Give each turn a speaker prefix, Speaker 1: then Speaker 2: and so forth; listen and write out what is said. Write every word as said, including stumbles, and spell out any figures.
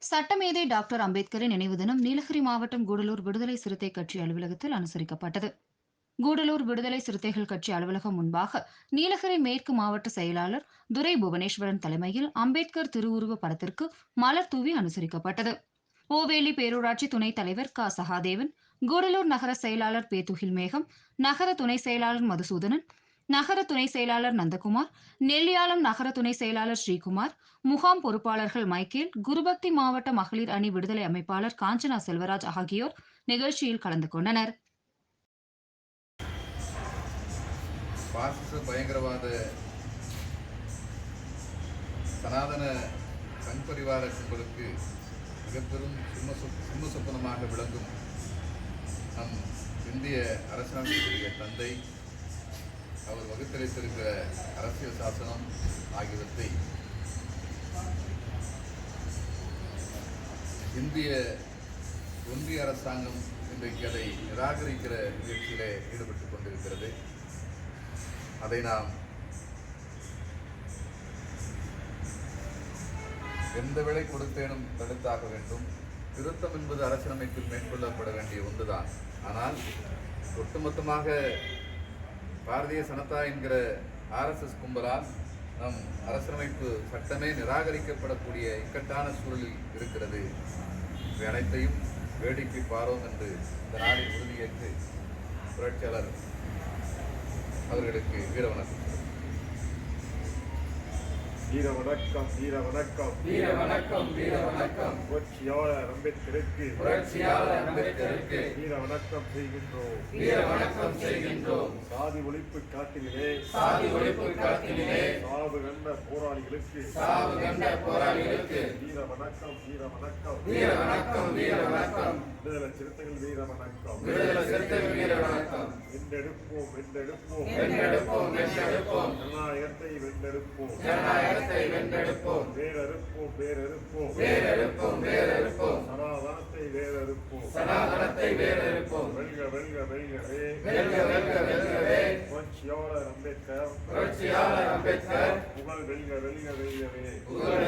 Speaker 1: சட்டமேதை டாக்டர் அம்பேத்கரின் நினைவு தினம் நீலகிரி மாவட்டம் கூடலூர் விடுதலை சிறுத்தை கட்சி அலுவலகத்தில் அனுசரிக்கப்பட்டது. கூடலூர் விடுதலை சிறுத்தைகள் கட்சி அலுவலகம் முன்பாக நீலகிரி மேற்கு மாவட்ட செயலாளர் துரை புவனேஸ்வரன் தலைமையில் அம்பேத்கர் திருவுருவ படத்திற்கு மலர் தூவி அனுசரிக்கப்பட்டது. ஓவேலி பேரூராட்சி துணைத் தலைவர் க சகாதேவன், கூடலூர் நகர செயலாளர் பேத்துகில் மேகம், நகர துணை செயலாளர் மதுசூதனன், நகர துணை செயலாளர் நந்தகுமார், நெல்லியாளம் நகர துணை செயலாளர் ஸ்ரீகுமார், முகாம் பொறுப்பாளர்கள் மைக்கேல், குருபக்தி மாவட்ட மகளிர் அணி விடுதலை அமைப்பாளர் காஞ்சனா செல்வராஜ் ஆகியோர் நிகழ்ச்சியில் கலந்து கொண்டனர்.
Speaker 2: பாசிச பயங்கரவாத சனாதன சங்பரிவார கும்பலுக்கு மிகப்பெரும் சிம்ம சிம்ம சொப்பனமாக விளங்கும் நம் இந்திய அரசியலமைப்புடைய தந்தை அவர் வகுத்தளித்திருக்கிற அரசியல் சாசனம் ஆகியவற்றை இந்திய ஒன்றிய அரசாங்கம் இன்றைக்கு அதை நிராகரிக்கிற முயற்சியிலே ஈடுபட்டுக் கொண்டிருக்கிறது. அதை நாம் எந்த விலை கொடுத்தேனும் தடுத்தாக வேண்டும். திருத்தம் என்பது அரசியலமைப்பில் மேற்கொள்ளப்பட வேண்டிய ஒன்றுதான். ஆனால் ஒட்டுமொத்தமாக பாரதிய ஜனதா என்கிற ஆர்எஸ்எஸ் கும்பலால் நம் அரசியலமைப்பு சட்டமே நிராகரிக்கப்படக்கூடிய இக்கட்டான சூழலில் இருக்கிறது. இவை அனைத்தையும் வேடிக்கை பாரோம் என்று இந்த நாளில் உறுதியேற்று புரட்சியாளர் அவர்களுக்கு வீர வணக்கம்.
Speaker 3: வீர வணக்கம் வீர வணக்கம்
Speaker 2: வீர வணக்கம் வீர வணக்கம்
Speaker 3: புரட்சியாளர் அம்பேத்கருக்கு
Speaker 2: புரட்சியாளர் அம்பேத்கருக்கு
Speaker 3: வீர வணக்கம் செய்கின்றோம்
Speaker 2: வீர வணக்கம் செய்கின்றோம்.
Speaker 3: சாதி ஒழிப்பு காட்டிலே
Speaker 2: சாதி ஒழிப்பு காட்டிலே
Speaker 3: சாவு கண்ட போராளிகளுக்கு
Speaker 2: சாவு கண்ட போராளிகளுக்கு
Speaker 3: வீர வணக்கம் வீர வணக்கம்
Speaker 2: வீர வணக்கம் வீர வணக்கம்.
Speaker 3: விடுதலை சிறுத்தைகள் வீர வணக்கம்
Speaker 2: விடுதலை சிறுத்தைகள் வீர வணக்கம்.
Speaker 3: வென்றெடுப்போம் வென்றெடுப்போம்
Speaker 2: வென்றெடுப்போம் வென்றெடுப்போம்.
Speaker 3: ஜனநாயகத்தை வென்றெடுப்போம்
Speaker 2: ஜனநாயகத்தை வென்றெடுப்போம்.
Speaker 3: வேறறுப்போம் வேறறுப்போம்
Speaker 2: வேறறுப்போம் வேறறுப்போம்.
Speaker 3: சனாதனத்தை வேறறுப்போம்
Speaker 2: சனாதனத்தை வேறறுப்போம்.
Speaker 3: வெல்க வெல்க வெல்கவே
Speaker 2: வெல்க வெல்க வெல்கவே
Speaker 3: புரட்சியாளர் அம்பேத்கர்
Speaker 2: புரட்சியாளர் அம்பேத்கர்
Speaker 3: புகழ் வெல்க வெல்க வெல்கவே
Speaker 2: புகழ்